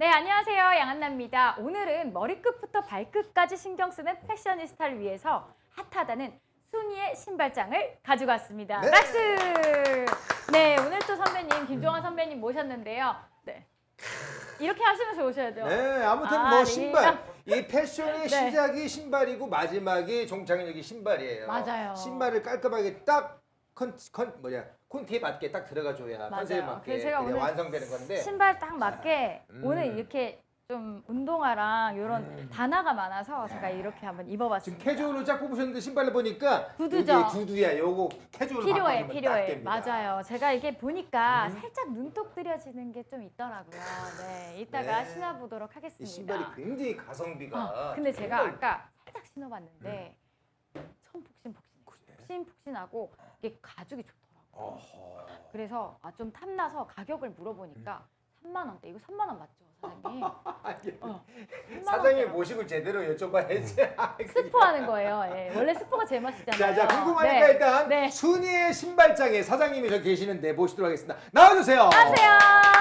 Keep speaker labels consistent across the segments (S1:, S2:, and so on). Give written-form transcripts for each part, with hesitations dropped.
S1: 네, 안녕하세요. 양한나입니다. 오늘은 머리끝부터 발끝까지 신경 쓰는 패셔니스타를 위해서 핫하다는 순이의 신발장을 가지고 왔습니다.
S2: 네.
S1: 박수! 네, 오늘 또 선배님, 김종환 선배님 모셨는데요. 네. 이렇게 하시면서 오셔야죠.
S2: 네, 아무튼
S1: 아,
S2: 뭐
S1: 네.
S2: 신발. 이 패션의
S1: 네.
S2: 시작이 신발이고 마지막이 종착역이 신발이에요.
S1: 맞아요.
S2: 신발을 깔끔하게 딱 콘티에 맞게 딱 들어가줘야
S1: 맞아요.
S2: 컨셉에 맞게
S1: 그래서 제가
S2: 그게
S1: 오늘
S2: 완성되는 건데.
S1: 신발 딱 맞게
S2: 음.
S1: 오늘 이렇게 좀 운동화랑 이런 단화가 많아서 제가 이렇게 한번
S2: 지금
S1: 입어봤습니다.
S2: 캐주얼로 쫙 뽑으셨는데 신발을 보니까
S1: 구두죠.
S2: 이게 구두야. 요거 캐주얼로
S1: 필요해,
S2: 바꿔주면 딱
S1: 필요해.
S2: 됩니다.
S1: 맞아요. 제가 이게 보니까 살짝 눈독 들여지는 게 좀 있더라고요. 네, 이따가
S2: 네.
S1: 신어보도록
S2: 이
S1: 하겠습니다.
S2: 신발이 굉장히 가성비가.
S1: 근데 제가
S2: 정말
S1: 아까 살짝 신어봤는데 처음 폭신폭신하고 이게 가죽이 좋더라고요.
S2: 어허.
S1: 그래서 좀 탐나서 가격을 물어보니까 3만 원대. 이거 3만 원 맞죠, 사장님?
S2: 아니,
S1: 3만
S2: 사장님
S1: 원대라고.
S2: 모시고 제대로 여쭤봐야지.
S1: 스포하는 거예요. 예. 원래 스포가 제맛이잖아요.
S2: 자, 궁금하니까
S1: 네.
S2: 일단
S1: 네.
S2: 순이의 신발장에 사장님이 저 계시는데 모시도록 하겠습니다. 나와주세요.
S1: 안녕하세요.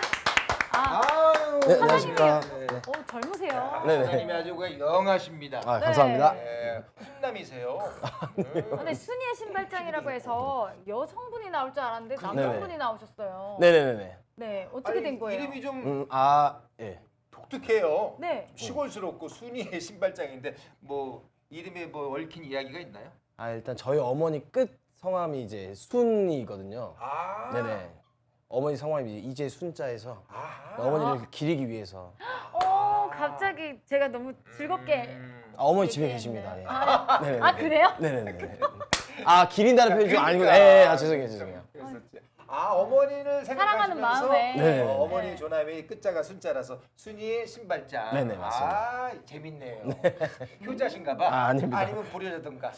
S2: 아유,
S3: 네, 안녕하십니까.
S2: 네.
S1: 젊으세요.
S3: 네네.
S2: 사장님이 아주 그냥 영하십니다.
S3: 아,
S1: 네.
S3: 감사합니다.
S2: 네, 훈남이세요.
S1: 근데 순이의 신발장이라고 해서 여성분이 나올 줄 알았는데 남성분이 나오셨어요.
S3: 네네네.
S1: 네, 어떻게 된 거예요?
S2: 이름이 좀
S3: 예.
S2: 독특해요.
S1: 네.
S2: 시골스럽고 순이의 신발장인데 뭐 이름에 뭐 얽힌 이야기가 있나요?
S3: 일단 저희 어머니 끝 성함이 이제 순이거든요.
S2: 아,
S3: 네네. 어머니 성함이 이제 순자에서
S2: 아하.
S3: 어머니를 기리기 위해서.
S1: 갑자기 제가 너무 즐겁게.
S3: 어머니 집에
S1: 얘기했네.
S3: 계십니다. 예.
S1: 아,
S3: 네네네.
S1: 아, 그래요?
S3: 네네네. 기린다는 표현이 좀 아니고.
S2: 그러니까.
S3: 죄송해요.
S2: 그랬었지. 어머니를
S1: 사랑하는
S2: 생각하시면서
S1: 마음에.
S3: 네.
S2: 어머니 조남이 끝자가 순자라서 순이의 신발장.
S3: 네네, 맞습니다.
S2: 재밌네요. 효자신가봐.
S3: 아닙니다.
S2: 아니면 불효자든가.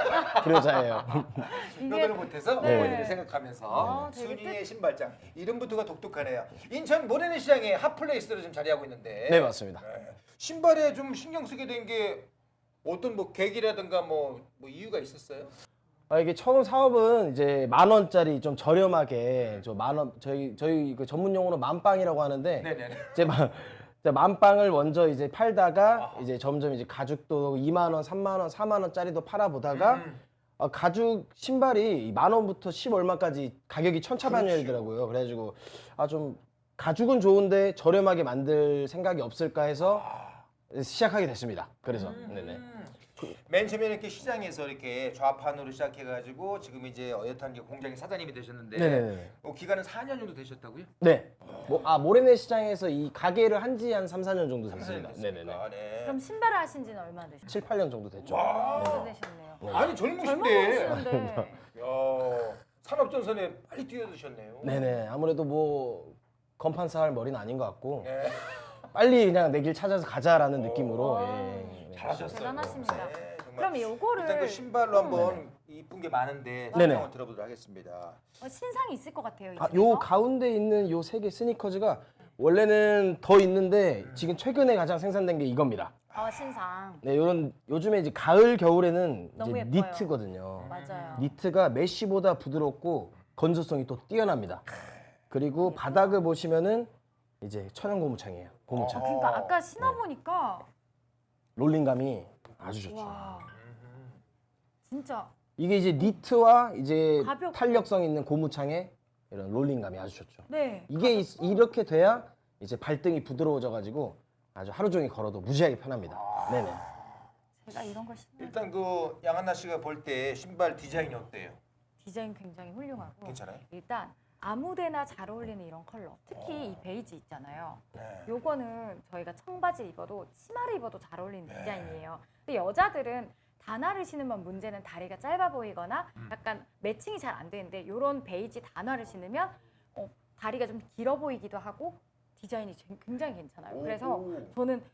S3: 불효자예요.
S2: 효도를 못해서
S1: 네.
S2: 어머니를 생각하면서
S1: 되게
S2: 순이의 신발장. 이름부터가 독특하네요. 인천 모래내시장에 핫플레이스로 좀 자리하고 있는데.
S3: 네, 맞습니다.
S2: 신발에 좀 신경 쓰게 된 게 어떤 뭐 계기라든가 뭐 이유가 있었어요?
S3: 이게 처음 사업은 이제 10,000원짜리 좀 저렴하게 저희 그 전문 용어로 만빵이라고 하는데
S2: 네네.
S3: 이제 만빵을 먼저 이제 팔다가 이제 점점 이제 가죽도 2만 원, 3만 원, 4만 원짜리도 팔아보다가 가죽 신발이 10,000원부터 10 얼마까지 가격이 천차만별이더라고요. 그래가지고 좀 가죽은 좋은데 저렴하게 만들 생각이 없을까 해서 시작하게 됐습니다. 그래서 네네.
S2: 맨 처음에 이렇게 시장에서 이렇게 좌판으로 시작해가지고 지금 이제 어엿한 게 공장의 사장님이 되셨는데
S3: 네네네.
S2: 기간은 4년 정도 되셨다고요?
S3: 네. 모래내 시장에서 이 가게를 한 지 한 3, 4년 정도 됐습니다. 네네네.
S2: 네.
S1: 그럼 신발을 하신 지는 얼마나 되셨어요?
S3: 7, 8년 정도 됐죠.
S1: 오래 되셨네요.
S2: 아니
S1: 젊어
S2: 젊으신데
S1: 보이시는데.
S2: 야, 산업전선에 빨리 뛰어드셨네요.
S3: 네네. 아무래도 뭐 건판사 할 머리는 아닌 것 같고
S2: 네.
S3: 빨리 그냥 내 길 찾아서 가자라는 느낌으로 예.
S2: 잘하셨어요.
S1: 대단하십니다.
S2: 네, 정말.
S1: 그럼 요거를
S2: 일단 그 신발로 한번 이쁜 게 많은데
S3: 네네.
S2: 설명을 들어보도록 하겠습니다.
S1: 신상이 있을 것 같아요. 이
S3: 요
S1: 집에서.
S3: 가운데 있는 요 세 개 스니커즈가 원래는 더 있는데 지금 최근에 가장 생산된 게 이겁니다.
S1: 신상.
S3: 네, 요즘에 이제 가을 겨울에는
S1: 너무
S3: 이제
S1: 예뻐요.
S3: 니트거든요.
S1: 맞아요.
S3: 니트가 메쉬보다 부드럽고 건조성이 또 뛰어납니다. 그리고 바닥을 보시면은 이제 천연 고무창이에요. 고무창.
S1: 그러니까 아까 신어보니까
S3: 롤링감이 아주 좋죠.
S1: 와 진짜
S3: 이게 이제 니트와 이제
S1: 가볍고.
S3: 탄력성 있는 고무창의 이런 롤링감이 아주 좋죠.
S1: 네.
S3: 이게 이렇게 돼야 이제 발등이 부드러워져 가지고 아주 하루 종일 걸어도 무지하게 편합니다. 네네.
S1: 제가 이런 걸 신는
S2: 일단 그 양한나 씨가 볼 때 신발 디자인이 어때요?
S1: 디자인 굉장히 훌륭하고
S2: 괜찮아요?
S1: 일단 아무데나 잘 어울리는 이런 컬러. 특히 이 베이지 있잖아요.
S2: 네.
S1: 요거는 저희가 청바지 입어도 치마를 입어도 잘 어울리는 디자인이에요. 근데 여자들은 단화를 신으면 문제는 다리가 짧아 보이거나 약간 매칭이 잘 안 되는데 요런 베이지 단화를 신으면 다리가 좀 길어 보이기도 하고 디자인이 굉장히 괜찮아요. 그래서 저는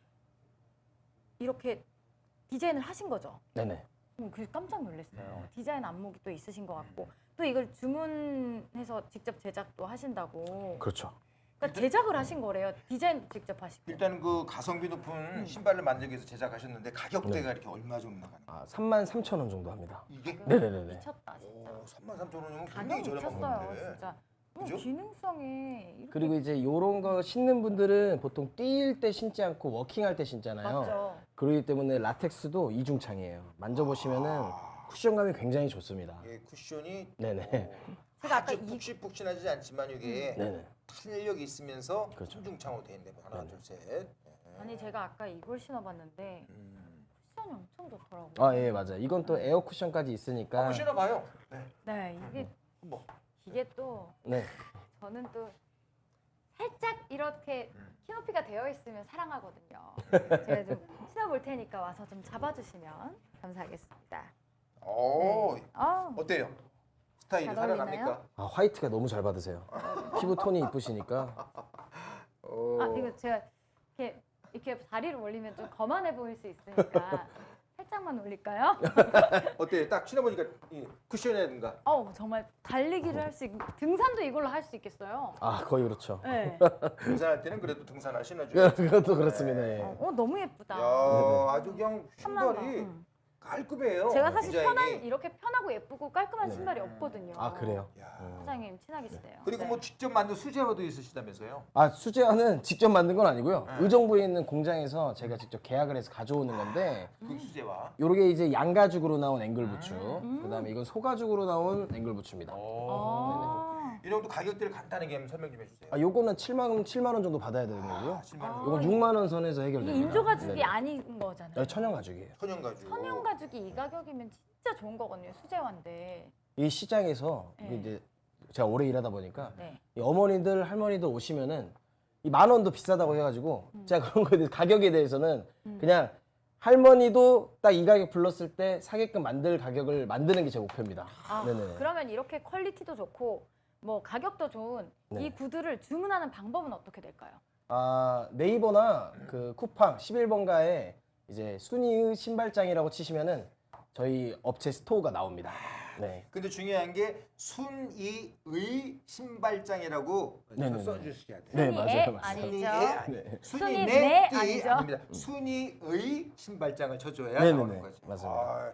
S1: 이렇게 디자인을 하신 거죠.
S3: 네네.
S1: 그래서 깜짝 놀랐어요. 디자인 안목이 또 있으신 것 같고 또 이걸 주문해서 직접 제작도 하신다고.
S3: 그렇죠.
S1: 그러니까 제작을 하신 거래요. 디자인 직접 하시고.
S2: 일단 그 가성비 높은 신발을 만들기 위해서 제작하셨는데 가격대가 이렇게 얼마 정도 나가나요?
S3: 33,000원 정도 합니다.
S2: 이게
S3: 네네네네.
S1: 미쳤다 진짜.
S2: 33,000원이면
S1: 가격
S2: 굉장히 저렴한
S1: 미쳤어요
S2: 건데.
S1: 진짜.
S2: 그죠?
S1: 기능성이 이렇게
S3: 그리고 이제 요런 거 신는 분들은 보통 뛸 때 신지 않고 워킹할 때 신잖아요.
S1: 맞죠.
S3: 그렇기 때문에 라텍스도 이중창이에요. 만져보시면은 쿠션감이 굉장히 좋습니다.
S2: 예, 쿠션이
S3: 네네.
S1: 제가 아까
S2: 아주 푹신푹신하지 않지만 이게
S3: 네네.
S2: 탄력이 있으면서
S3: 그렇죠.
S2: 삼중창으로 돼 있는데 하나
S3: 네네.
S2: 둘 셋.
S1: 아니 제가 아까 이걸 신어봤는데
S2: 음.
S1: 쿠션이 엄청 좋더라고요.
S3: 아, 예, 맞아요. 이건 또 에어 쿠션까지 있으니까.
S2: 한번 신어봐요. 네.
S1: 네,
S2: 뭐.
S1: 이게 또
S3: 네.
S1: 저는 또 살짝 이렇게 키높이가 되어 있으면 사랑하거든요. 제가 좀 신어볼 테니까 와서 좀 잡아주시면 감사하겠습니다.
S2: 오,
S1: 아,
S2: 어때요? 스타일이
S1: 잘
S2: 살아납니까?
S3: 아, 화이트가 너무 잘 받으세요. 피부 톤이 이쁘시니까.
S2: 오.
S1: 아 이거 제가 이렇게 다리를 올리면 좀 거만해 보일 수 있으니까 살짝만 올릴까요?
S2: 어때요? 딱 신어보니까 이 쿠션이라든가
S1: 정말 달리기를 할 수 등산도 이걸로 할 수 있겠어요.
S3: 아, 거의 그렇죠.
S1: 네.
S2: 등산할 때는 그래도 등산화 신어줘요.
S3: 그것도 그렇습니다. 예.
S1: 너무 예쁘다.
S2: 야, 아주 그냥
S1: 탐난다.
S2: 신발이 깔끔해요.
S1: 제가 사실
S2: 디자인이.
S1: 이렇게 편하고 예쁘고 깔끔한
S3: 네.
S1: 신발이 없거든요.
S3: 아, 그래요?
S2: 야.
S1: 사장님 친하계시대요.
S2: 그리고
S1: 네.
S2: 뭐 직접 만든 수제화도 있으시다면서요?
S3: 아, 수제화는 직접 만든 건 아니고요. 의정부에 있는 공장에서 제가 직접 계약을 해서 가져오는 건데,
S2: 그 수제화.
S3: 요게 이제 양가죽으로 나온 앵글 부츠, 그다음에 이건 소가죽으로 나온 앵글 부츠입니다.
S2: 이런 것도 가격대를 간단하게 한번 설명 좀 해주세요.
S3: 아, 요거는 7만 원 정도 받아야 되는 거고요.
S2: 10만 원.
S3: 요건 6만 원 선에서
S1: 이게
S3: 해결됩니다.
S1: 인조 가죽이
S3: 네네.
S1: 아닌 거잖아요.
S3: 천연 가죽이에요.
S2: 천연 가죽.
S1: 천연 가죽이 이 가격이면 진짜 좋은 거거든요. 수제화인데.
S3: 이 시장에서
S1: 네.
S3: 이게 이제 제가 오래 일하다 보니까
S1: 네.
S3: 이 어머니들 할머니들 오시면은 이 10,000원도 비싸다고 해가지고 제가 그런 거에 대해서 가격에 대해서는 그냥 할머니도 딱 이 가격 불렀을 때 사게끔 만들 가격을 만드는 게 제 목표입니다. 네네.
S1: 그러면 이렇게 퀄리티도 좋고 뭐 가격도 좋은
S3: 네.
S1: 이 구두를 주문하는 방법은 어떻게 될까요?
S3: 아, 네이버나 그 쿠팡 11번가에 이제 순이의 신발장이라고 치시면은 저희 업체 스토어가 나옵니다. 네.
S2: 근데 중요한 게 순이의 신발장이라고
S3: 네네네.
S2: 써주셔야 돼요.
S3: 네,
S1: 순이의
S3: 맞아요, 맞아요.
S2: 순이의
S1: 아니죠.
S2: 아니,
S3: 네.
S2: 순이네
S1: 순이네
S2: 띠
S1: 아니죠?
S2: 아닙니다. 순이의 신발장을 쳐줘야
S3: 네네네.
S2: 나오는 거죠.
S3: 맞습니다.
S2: 아,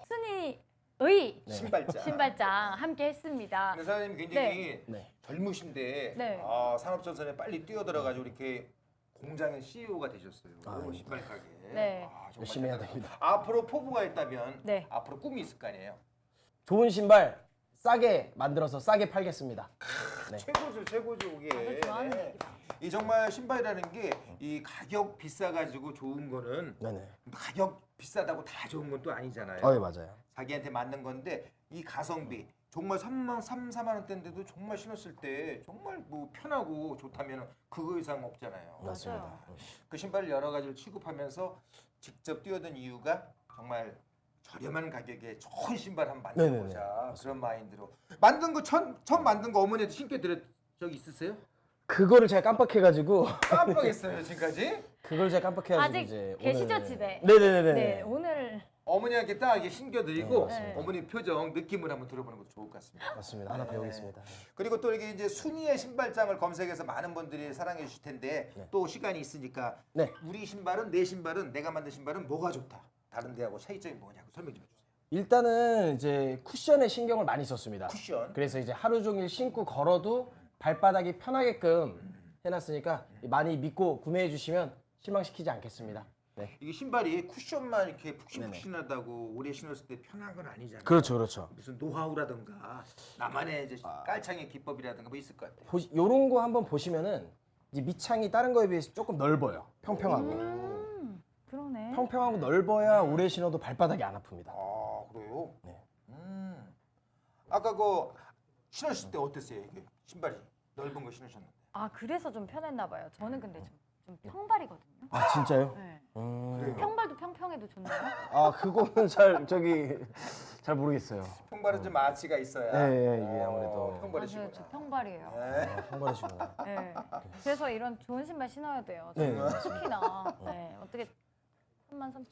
S1: 순이의
S2: 신발장.
S1: 신발장 함께 했습니다.
S2: 근데 사장님 굉장히
S3: 네.
S2: 젊으신데
S1: 네.
S2: 산업전선에 빨리 뛰어들어가지고 이렇게 공장의 CEO가 되셨어요. 신발 가게.
S1: 네.
S2: 정말
S3: 열심히 해야
S2: 대단하다.
S3: 됩니다.
S2: 앞으로 포부가 있다면
S1: 네.
S2: 앞으로 꿈이 있을 거 아니에요.
S3: 좋은 신발 싸게 만들어서 싸게 팔겠습니다. 네.
S2: 최고죠 이게.
S1: 다들 좋아하는
S2: 네.
S1: 얘기다.
S2: 이 정말 신발이라는 게 이 가격 비싸가지고 좋은 거는
S3: 네네.
S2: 가격 비싸다고 다 좋은 건 또 아니잖아요.
S3: 예, 맞아요.
S2: 자기한테 맞는 건데 이 가성비 정말 3만 원대인데도 정말 신었을 때 정말 뭐 편하고 좋다면 그거 이상 없잖아요.
S3: 맞습니다.
S1: 맞아요.
S2: 그 신발을 여러 가지를 취급하면서 직접 뛰어든 이유가 정말 저렴한 가격에 좋은 신발 한번
S3: 네네네.
S2: 만들어보자 그런 마인드로 만든 거 처음 만든 거 어머니한테 신게 드렸 적 있으세요?
S3: 그거를 제가 깜빡해가지고
S2: 깜빡했어요 지금까지.
S3: 그걸 제가 깜빡해가지고
S1: 아직
S3: 이제
S1: 계시죠,
S3: 오늘...
S1: 집에?
S3: 네네네네.
S1: 네, 오늘
S2: 어머니한테 딱 이게 신겨드리고
S1: 네.
S2: 어머니 표정 느낌을 한번 들어보는 것도 좋을 것 같습니다.
S3: 맞습니다. 하나 배우겠습니다.
S2: 그리고 또 이게 이제 순이의 신발장을 검색해서 많은 분들이 사랑해 주실 텐데
S3: 네.
S2: 또 시간이 있으니까
S3: 네.
S2: 우리 신발은 내 신발은 내가 만든 신발은 뭐가 좋다 다른 데하고 차이점이 뭐냐고 설명 좀 해주세요.
S3: 일단은 이제 쿠션에 신경을 많이 썼습니다.
S2: 쿠션.
S3: 그래서 이제 하루 종일 신고 걸어도 발바닥이 편하게끔 해놨으니까 많이 믿고 구매해 주시면 실망시키지 않겠습니다. 네.
S2: 이게 신발이 쿠션만 이렇게 푹신푹신하다고 오래 신었을 때 편한 건 아니잖아요.
S3: 그렇죠, 그렇죠.
S2: 무슨 노하우라든가 나만의 이제 깔창의 기법이라든가 뭐 있을 것 같아요.
S3: 요런 거 한번 보시면은 이제 밑창이 다른 거에 비해서 조금 넓어요. 평평하고.
S1: 그러네.
S3: 평평하고 넓어야 오래 신어도 발바닥이 안 아픕니다.
S2: 아 그래요?
S3: 네.
S2: 아까 그 신으실 때 어땠어요? 이게 신발이 넓은 거 신으셨는데.
S1: 아 그래서 좀 편했나 봐요. 저는 근데 좀 평발이거든요.
S3: 아 진짜요?
S1: 네.
S2: 그래요?
S1: 평발도 평평해도 좋나요?
S3: 아 그거는 잘 모르겠어요.
S2: 평발은 좀 아치가 있어야.
S3: 네, 이게 아무래도.
S2: 평발이시구나.
S1: 맞아요, 저 평발이에요.
S2: 네.
S3: 평발이시구나.
S1: 네. 그래서 이런 좋은 신발 신어야 돼요.
S3: 네.
S1: 저는 특히나. 네. 어떻게 33,000원.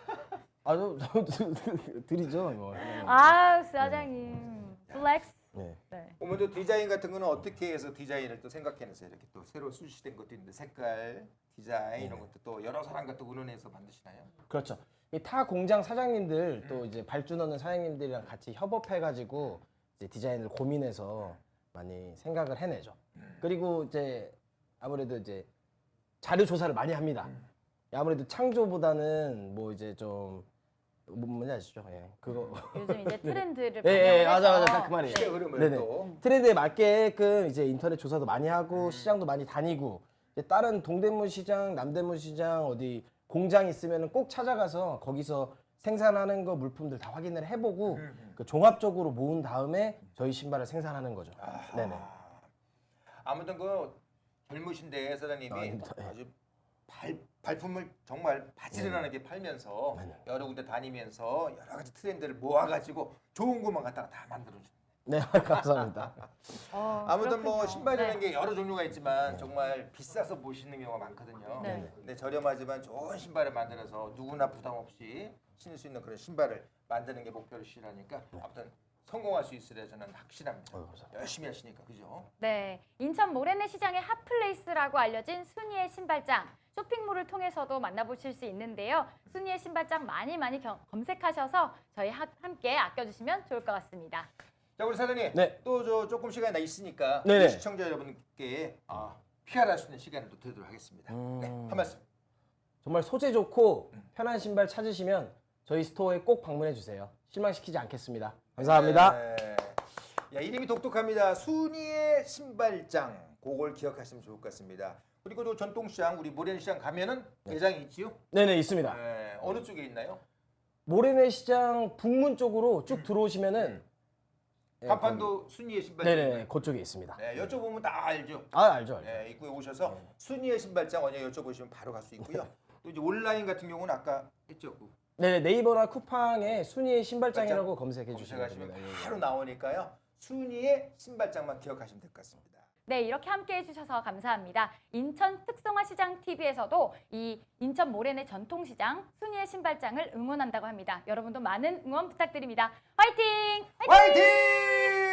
S3: 드리죠. 뭐.
S1: 아 사장님 플렉스.
S3: 네.
S1: 네.
S2: 오늘 디자인 같은 거는 어떻게 해서 디자인을 또 생각해내세요? 이렇게 또 새로 출시된 것도 있는데 색깔, 디자인 이런 것도 또 여러 사람과 또 의논해서 만드시나요?
S3: 그렇죠. 이 타 공장 사장님들 또 이제 발주 넣는 사장님들이랑 같이 협업해가지고 이제 디자인을 고민해서 많이 생각을 해내죠. 그리고 이제 아무래도 이제 자료 조사를 많이 합니다. 아무래도 창조보다는 뭐 이제 좀 뭔지 아시죠? 예, 그거
S1: 요즘 이제 트렌드를
S3: 예, 예,
S1: 반영을
S3: 맞아,
S1: 해서
S3: 딱 그 말이에요.
S2: 시대 흐름을
S3: 네네.
S2: 또
S3: 트렌드에 맞게끔 이제 인터넷 조사도 많이 하고 시장도 많이 다니고 이제 다른 동대문 시장, 남대문 시장 어디 공장 있으면 꼭 찾아가서 거기서 생산하는 거 물품들 다 확인을 해보고 그 종합적으로 모은 다음에 저희 신발을 생산하는 거죠. 네네.
S2: 아무튼 그 젊으신데 사장님이
S3: 아닙니다. 예.
S2: 아주 발품을 정말 바지런하게 팔면서
S3: 네네.
S2: 여러 군데 다니면서 여러 가지 트렌드를 모아가지고 좋은 것만 갖다가 다 만들어줘.
S3: 네, 감사합니다.
S2: 아무튼 뭐
S1: 그렇군요.
S2: 신발이라는
S1: 네.
S2: 게 여러 종류가 있지만 정말 비싸서 보시는 경우가 많거든요.
S1: 네.
S2: 근데 저렴하지만 좋은 신발을 만들어서 누구나 부담 없이 신을 수 있는 그런 신발을 만드는 게 목표시라니까 아무튼 성공할 수 있으려 저는 확신합니다.
S3: 감사합니다.
S2: 열심히 하시니까 그죠?
S1: 네, 인천 모래내 시장의 핫플레이스라고 알려진 순이의 신발장. 쇼핑몰을 통해서도 만나보실 수 있는데요. 순이의 신발장 많이 검색하셔서 저희 함께 아껴주시면 좋을 것 같습니다.
S2: 자 우리 사장님
S3: 네.
S2: 또 저 조금 시간이 나 있으니까
S3: 네네.
S2: 우리 시청자 여러분께 PR할 수 있는 시간을 또 드리도록 하겠습니다. 네, 한 말씀.
S3: 정말 소재 좋고 편한 신발 찾으시면 저희 스토어에 꼭 방문해 주세요. 실망시키지 않겠습니다. 감사합니다.
S2: 네. 야, 이름이 독특합니다. 순이의 신발장. 그걸 기억하시면 좋을 것 같습니다. 그리고 또 전통시장 우리 모래시장 가면은 매장이 있지요?
S3: 네네, 있습니다.
S2: 네, 어느 쪽에 있나요?
S3: 모래내 시장 북문 쪽으로 쭉 들어오시면은
S2: 간판도 순이의 신발장.
S3: 네네, 그쪽에 있습니다.
S2: 네, 여쭤보면 다 알죠.
S3: 아, 알죠, 알죠.
S2: 네, 입구에 오셔서 순이의 신발장 어디 여쭤보시면 바로 갈 수 있고요. 또 이제 온라인 같은 경우는 아까 했죠. 그
S3: 네네, 네이버나 쿠팡에 순이의 신발장이라고 검색해 주시면
S2: 검색하시면
S3: 됩니다.
S2: 바로 나오니까요. 순이의 신발장만 기억하시면 될 것 같습니다.
S1: 네, 이렇게 함께 해주셔서 감사합니다. 인천 특성화시장 TV에서도 이 인천 모래내 전통시장 순이의 신발장을 응원한다고 합니다. 여러분도 많은 응원 부탁드립니다. 화이팅!
S2: 화이팅!